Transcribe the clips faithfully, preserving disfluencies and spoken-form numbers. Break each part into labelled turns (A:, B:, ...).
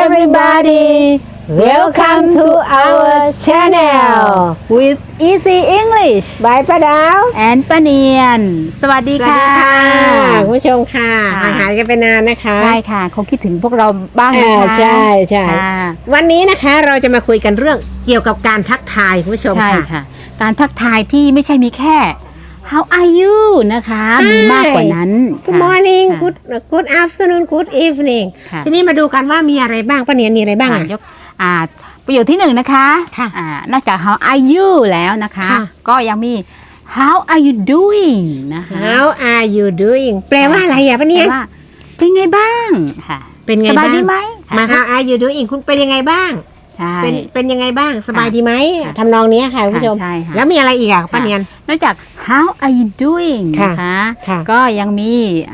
A: everybody welcome to our channel
B: with Easy English
A: by ป้าดาว
B: and ป้าเนียนสวัสดีค่ะ
A: คุณผู้ชมค่ะห่างหายกันไปนานนะคะ
B: ใช่ค่ะคงคิดถึงพวกเราบ้างนะคะ
A: ใช่ใช่วันนี้นะคะเราจะมาคุยกันเรื่องเกี่ยวกับการทักทายคุณผู้ชมค่ะ
B: การทักทายที่ไม่ใช่มีแค่ How are you นะคะมีมากกว่านั้น
A: Good morning Good Good afternoon Good evening ทีนี้มาดูกันว่ามีอะไรบ้างป้าเนียนมีอะไรบ้างอ่ะ
B: ยกอ่าประโยคที่หนึ่งนะคะอ่านอกจาก How are you แล้วนะคะก็ยังมี How are you doing นะคะ
A: How are you doing แปลว่าอะไรอ่ะป้าเนียน
B: เป็นไงบ้างค่ะ
A: เป็นไงบ้างสบายดีไหมมา How are you doing คุณเป็นยังไงบ้างเป็นเป็นยังไงบ้างสบายดีไหมทำนองนี้ค่ะคุณผู้ชมแล้วมีอะไรอีกอ่ะป้าเนียน
B: นอกจาก How are you doing นะคะก็ยังมี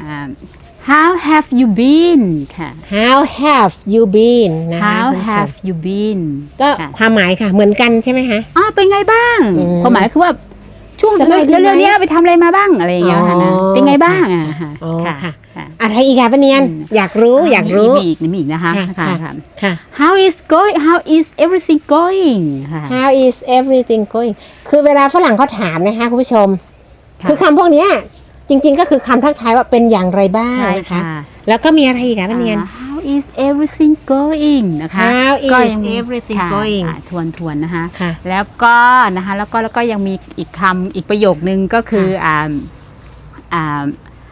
B: How have you been ค่ะ
A: How have you been นะ
B: How have you been
A: ก็ความหมายค่ะเหมือนกันใช่ไหมคะ
B: อ๋อเป็นไงบ้างความหมายคือว่าช่วงเร็วๆนี้ไปทำอะไรมาบ้างอะไรอย่างเงี้ยค่ะนะเป็นไงบ้างอ่ะ
A: ค่ะอะไรอีกอ่ะป้าเนียนอยากรู้อยากรู้
B: มีอีกมีอีกนะคะค่ะค่ะ How is going How is everything going
A: How is everything going คือเวลาฝรั่งเขาถามนะคะคุณผู้ชมคือคำพวกนี้จริงๆก็คือคำทักทายว่าเป็นอย่างไรบ้างนะคะแล้วก็มีอะไรอีกอ่ะป้าเนียน
B: How is everything going นะคะ
A: How is everything going
B: ทวนทวนนะคะแล้วก็นะคะแล้วก็แล้วก็ยังมีอีกคำอีกประโยคนึงก็คืออ่าอ่า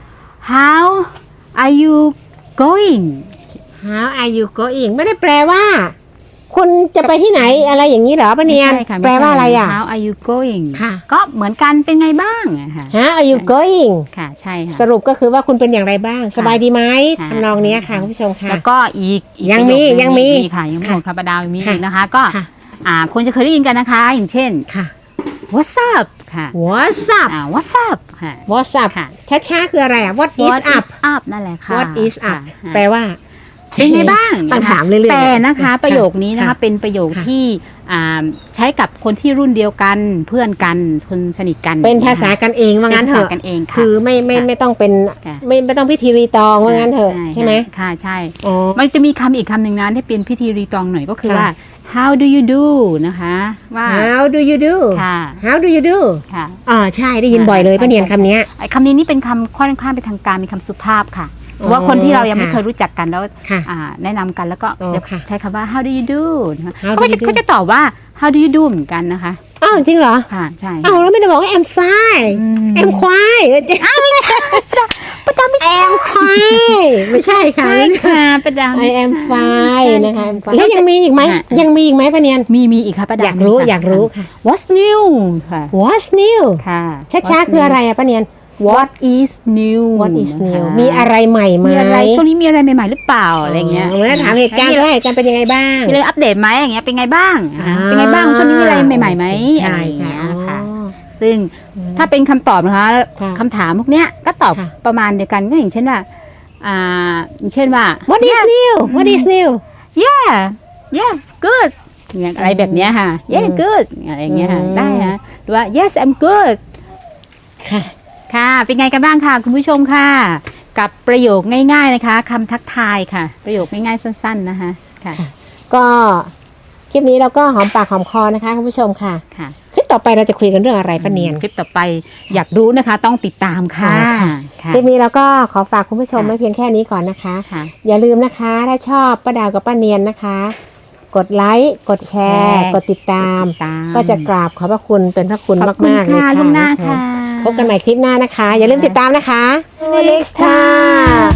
B: How are you going
A: How are you going ไม่ได้แปลว่าคุณจะไปที่ไหนอะไรอย่างนี้เหรอป้าเนียนแปลว่าอะไรอ่ะ
B: How are you going
A: ค่ะ
B: ก็เหมือนกันเป็นไงบ้างค่ะ
A: How are you going
B: ค่ะใช่ค่ะ
A: สรุปก็คือว่าคุณเป็นอย่างไรบ้างสบายดีไหมทำนองนี้ค่ะคุณผู้ชมค่ะ
B: แล้วก็อีก
A: ยังมียังมี
B: ค่ะยังมีค่ะป้าดาวมีอีกนะคะก็อ่าคนจะเคยได้ยินกันนะคะอย่างเช่น
A: ค่ะ
B: What's up ค่ะ
A: What's up
B: อ่า What's up ค่ะ
A: What's up ค่ะช้าๆคืออะไรอ่ะ What is up
B: up นั่นแหละค่ะ
A: What is up แปลว่า
B: เป็นไงบ้าง
A: ต้องถามเรื่อยๆ
B: แต่นะคะประโยคนี้นะคะเป็นประโยคที่ใช้กับคนที่รุ่นเดียวกันเพื่อนกันคนสนิทกัน
A: เป็นภาษากันเองว่างั้นเถอะคือไม่ไม่ไม่ต้องเป็นไม่ไม่ต้องพิธีรีตองว่างั้นเถอะใช่ไหม
B: ค่ะใช่มันจะมีคำอีกคำหนึ่งนะที่เป็นพิธีรีตองหน่อยก็คือว่า how do you do นะคะว่า
A: how do you do
B: ค่ะ
A: how do you do
B: ค่ะ
A: อ๋อใช่ได้ยินบ่อยเลยป้าเนียนคำนี้
B: ไอ้คำนี้นี่เป็นคำค่อนข้างเป็นทางการเป็นคำสุภาพค่ะว่าคนที่เรายังไม่เคยรู้จักกันแล้วแนะนำกันแล้วก็ใช้คำว่า how do you do เขาจะเขาจะตอบว่า how do you do เหมือนกันนะคะ
A: อ้าวจริงเหรอ
B: ค่ะใช่
A: อ้าวแล้วไม่ได้บอกว่า I'm fine I'm quiet อ้าวไม่ใช่ประดาไม่ I'm quiet ไม่ใช่ค่ะ
B: ใช่ค่ะประดา
A: I am fine นะคะแล้วยังมีอีกไหมยังมีอีกไหมป้าเนียน
B: มีมีอีกค่ะประดา
A: อยากรู้อยากรู้ค่ะ
B: What's new ค่ะ
A: What's new
B: ค่ะ
A: ช้าๆคืออะไรอะป้าเนียน
B: What is new
A: What is new มีอะไรใหม่ไหม
B: มีอะไรช่วงนี้มีอะไรใหม่ๆหรือเปล่าอะไรเงี้ย
A: เมื่อถามเหตุการณ์ว่าเหตุการณ์เป็นยังไงบ้าง
B: มีอะไรอัปเดตไหมอย่างเงี้ยเป็นไงบ้างเป็นไงบ้างช่วงนี้มีอะไรใหม่ๆไหมอะไรเงี้ยค่ะซึ่งถ้าเป็นคำตอบนะคะคำถามพวกเนี้ยก็ตอบประมาณเดียวกันก็อย่างเช่นว่าอ่าอย่างเช่นว่า
A: What is new What is new
B: Yeah Yeah good อย่างอะไรแบบเนี้ยค่ะ Yeah good อะไรเงี้ยค่ะได้นะหรือว่า Yes I'm good
A: ค่ะ
B: ค่ะเป็นไงกันบ้างค่ะคุณผู้ชมค่ะกับประโยคง่ายๆนะคะคำทักทายค่ะประโยคง่ายๆสั้นๆนะคะค่ะ
A: ก็คลิปนี้เราก็หอมปากหอมคอนะคะคุณผู้ชมค่ะค่ะคลิปต่อไปเราจะคุยกันเรื่องอะไรป้าเนียน
B: คลิปต่อไปอยากรู้นะคะต้องติดตามค่ะ
A: คลิปนี้เราก็ขอฝากคุณผู้ชมไว้เพียงแค่นี้ก่อนนะคะอย่าลืมนะคะถ้าชอบป้าดาวกับป้าเนียนนะคะกดไลค์กดแชร์กดติดตามก็จะกราบขอบพระคุณเป็นพระคุณมากๆเลยค่ะพบกันใหม่คลิปหน้านะคะอย่าลืมติดตามนะคะ next time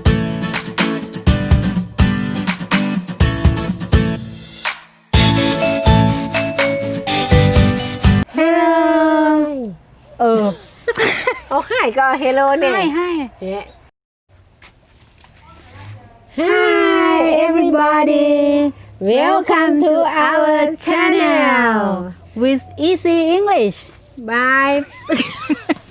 A: hello
B: เออ
A: โอ้ให้ก็ hello เนี่ย
B: ให้ให้
A: Hi everybody welcome to our channel
B: with Easy English
A: bye